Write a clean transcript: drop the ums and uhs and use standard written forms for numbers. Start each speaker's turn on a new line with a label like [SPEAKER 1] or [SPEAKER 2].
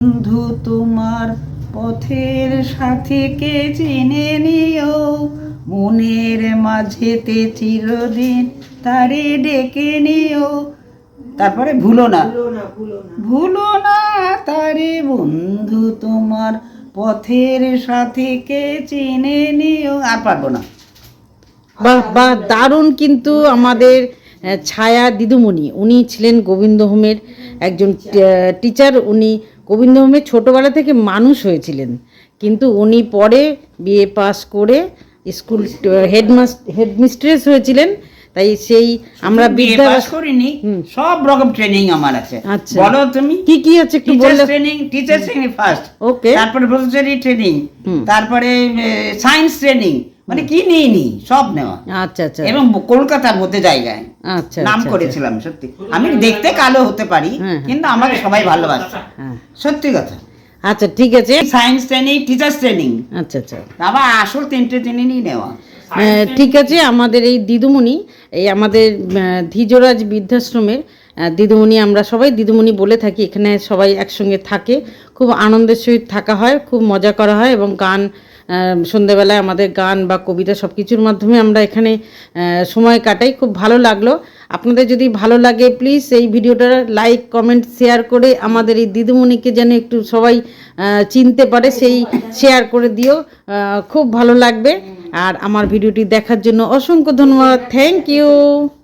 [SPEAKER 1] বন্ধু তোমার পথের সাথীকে চিনে নিও, মনের মাঝেতে চিরদিন তারে ডেকে নিও। তারপরে ভুলো না ভুলো না তারে বন্ধু তোমার পথের সাথীকে চিনে নিও। আর পারবো না।
[SPEAKER 2] বাহ বাহ, দারুণ। কিন্তু আমাদের ছায়া দিদিমণি, উনি ছিলেন গোবিন্দ হোমের একজন টিচার। উনি গোবিন্দ হোমে ছোটোবেলা থেকে মানুষ হয়েছিলেন, কিন্তু উনি পরে বিএ পাস করে স্কুল হেডমিস্ট্রেস হয়েছিলেন। তাই সেই আমরা বিদ্যা
[SPEAKER 1] করিনি, সব রকম ট্রেনিং আমার আছে।
[SPEAKER 2] আচ্ছা,
[SPEAKER 1] বলো তুমি
[SPEAKER 2] কি কি আছে একটু বললে।
[SPEAKER 1] Teacher training first,
[SPEAKER 2] okay.
[SPEAKER 1] তারপরে প্রফেসরি ট্রেনিং, তারপরে সায়েন্স ট্রেনিং, মানে কি নিইনি সব নেওয়া।
[SPEAKER 2] আচ্ছা আচ্ছা।
[SPEAKER 1] এবং কলকাতার মধ্যে জায়গায়
[SPEAKER 2] আচ্ছা
[SPEAKER 1] নাম করেছিলাম। সত্যি আমি দেখতে কালো হতে পারি, কিন্তু আমাকে সবাই ভালোবাসে, সত্যি কথা।
[SPEAKER 2] আচ্ছা ঠিক আছে।
[SPEAKER 1] সায়েন্স ট্রেনিং, টিচার্স ট্রেনিং,
[SPEAKER 2] আচ্ছা আচ্ছা,
[SPEAKER 1] আবার আসল তিনটে ট্রেনিংই নেওয়া।
[SPEAKER 2] ঠিক আছে। আমাদের এই দিদিমণি, এই আমাদের ধীজরাজ বৃদ্ধাশ্রমের দিদিমণি, আমরা সবাই দিদিমণি বলে থাকি। এখানে সবাই একসঙ্গে থাকে, খুব আনন্দের সহিত থাকা হয়, খুব মজা করা হয় এবং গান, সন্ধ্যেবেলায় আমাদের গান বা কবিতা সব কিছুর মাধ্যমে আমরা এখানে সময় কাটাই। খুব ভালো লাগলো। আপনাদের যদি ভালো লাগে প্লিজ এই ভিডিওটা লাইক, কমেন্ট, শেয়ার করে আমাদের এই দিদিমণিকে যেন একটু সবাই চিনতে পারে, সেই শেয়ার করে দিও, খুব ভালো লাগবে। আর আমার ভিডিওটি দেখার জন্য অসংখ্য ধন্যবাদ। Thank you.